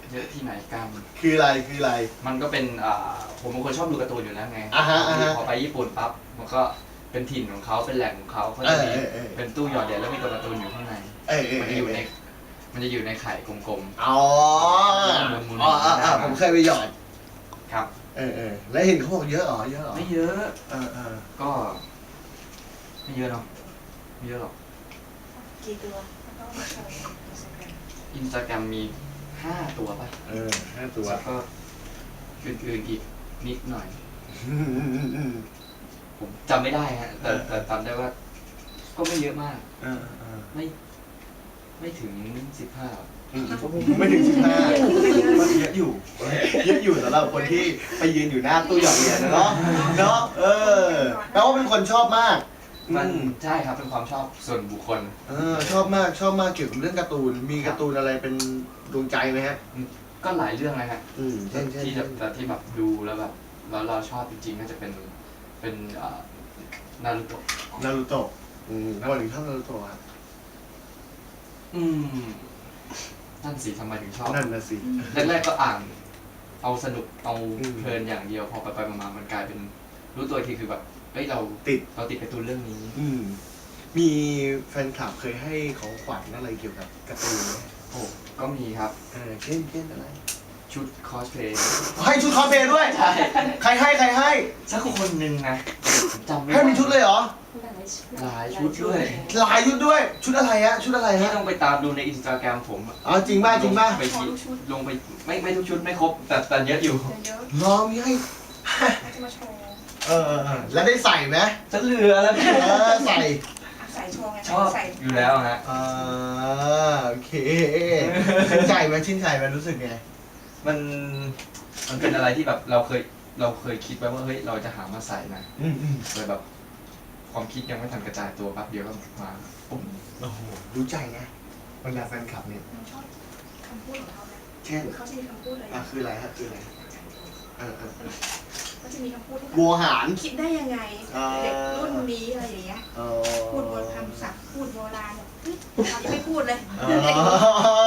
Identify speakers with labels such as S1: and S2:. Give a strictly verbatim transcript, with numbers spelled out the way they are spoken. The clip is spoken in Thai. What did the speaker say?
S1: เยอะที่ไหนกัน
S2: คืออะไรคืออะไร
S1: มันก็เป็นอ่าผมเป็นคนชอบดูการ์ตูนอยู่แล้วไง
S2: อ่าฮะอ่าฮะ
S1: พอไปญี่ปุ่นปั๊บมันก็เป็นถิ่นของเขาเป็นแหล่งของเขาเขาจะมี
S2: เออเออเออ
S1: เป็นตู้หยอดเหรียญแล้วมีตัวการ์ตูนอยู่ข้างใน
S2: เออเออ
S1: มันจะอยู่ในมันจะอยู่ในไข่กลม
S2: อ๋อ
S1: หมุนๆ
S2: อ๋ออ๋ออ๋อ
S1: ได้ไหม
S2: ผมเคยไปหยอด
S1: ๆครับ
S2: เออเออแล้วเห็นเขาบอกเยอะเหรอเยอะเหรอ
S1: ไม่เยอะ
S2: เออเออ
S1: ก็ไม่เยอะเนาะไม่เยอะหรอก
S3: กี่ตัวแล้วก็มาโชว์ใน Instagram
S1: อินสตาแกรมมีห้าตัวป่ะ
S2: เออห้าตัว
S1: แล้วก็อื่นๆอีกนิดหน่อย
S2: อืมอืมอืมอืม
S1: ผมจำไม่ได้ฮะแต่แต่จำได้ว่า ก็ไม่เยอะมาก
S2: เออเออ
S1: ไม่ ไม่ถึงสิบห้า
S2: อืมไม่ถึงสิบห้ามันเยอะอยู่เยอะอยู่สำหรับคนที่ไปยืนอยู่หน้าตู้หยอดเหรียญนะเนาะเนาะเออแปลว่าเป็นคนชอบมาก
S1: มัน
S2: อืม
S1: ใช่ครับเป็นความชอบส่วนบุคคล
S2: เออชอบมากชอบมากเกี่ยวกับเรื่องการ์ตูนมีการ์ตูนอะไรเป็นดวงใจไหมฮะ
S1: ก็หลายเรื่องเลยฮะ
S2: อืมเช่นเช่น
S1: ที่แบบแต่ที่แบบดูแล้วแบบแล้วเราชอบจริงๆก็จะเป็นเป็นเอ่อนารูโตะ
S2: นารูโตะอืมทำไมถึงชอบนารูโตะครับ
S1: อืมนั่นสิทำไมถึงชอบ
S2: นั่นน่ะสิ
S1: แรกๆก็อ่านเอาสนุกเอา
S2: อืม
S1: เพลินอย่างเดียวพอไปไปๆมาๆมันกลายเป็นรู้ตัวอีกทีคือแบบเฮ้ยเรา
S2: ติด
S1: เราติดการ์ตูนเรื่องนี้
S2: อืมมีแฟนคลับเคยให้ของขวัญอะไรเกี่ยวกับการ์ตูนไหม
S1: โอ้ก็มีครับ
S2: เออเช่นเช่นอะไร
S1: ชุดคอสเพลย์
S2: ให้ชุดคอสเพลย์ด้วย
S1: ใช่
S2: ใครให้ใครให้
S1: สักคนหนึ่งนะผมจำไม่
S2: ให้มีชุดเลยเหรอ
S1: หลายชุดด้วย
S2: หลายชุดด้วย ชุดอะไรฮะ ชุดอะไร
S1: ที่
S2: ฮะ
S1: ต้องไปตามดูในอินสตาแกรมผมอะ
S2: อ๋อจริงป่ะจริงป่ะ
S1: ไปที่ลงไปไม่ไม่ทุกชุดไม่ครบแต่แต่เยอะอยู่
S3: เยอะ
S2: รอมีให้
S3: ๆเขาจะมาโชว์
S2: เออเออเออแล้วได้ใส่ไหม
S1: จะเหลือแล้ว
S2: เออใส่
S3: อ่ะใส่โชว์ไง
S1: ชอบ
S3: ใส่
S1: อยู่แล้วฮะ
S2: อ่าโอเคชื่นใจไหมชื่นใจไหมรู้สึกไง
S1: มันมันเป็นอะไรที่แบบเราเคยเราเคยคิดไว้ว่าเฮ้ยเราจะหามาใส่นะ
S2: อืมอืม
S1: เลยแบบความคิดยังไม่ทันกระจายตัวแป๊บเดียวก็มาปุ๊บ
S2: โอ้โหรู้ใจไงบรรดาแฟนคลับเนี่ย
S3: ผมชอบคำพูดของเขานะ
S2: เช่น
S3: เขาจะมีคำพูดอะไร
S2: อ่ะคืออะไรฮะคืออะไรเออเออเออ
S3: เขาจะมีคำพูดที่แบบ
S2: วัวหาร
S3: คิดได้ยังไง
S2: อ่า
S3: เด็กรุ่นนี้อะไรอย่างเงี้ย
S2: อ๋อ
S3: พูดโบราณคำศัพท์พูดโบราณแบบเฮ้ยเรายังไม่พูดเลย
S2: อ๋อ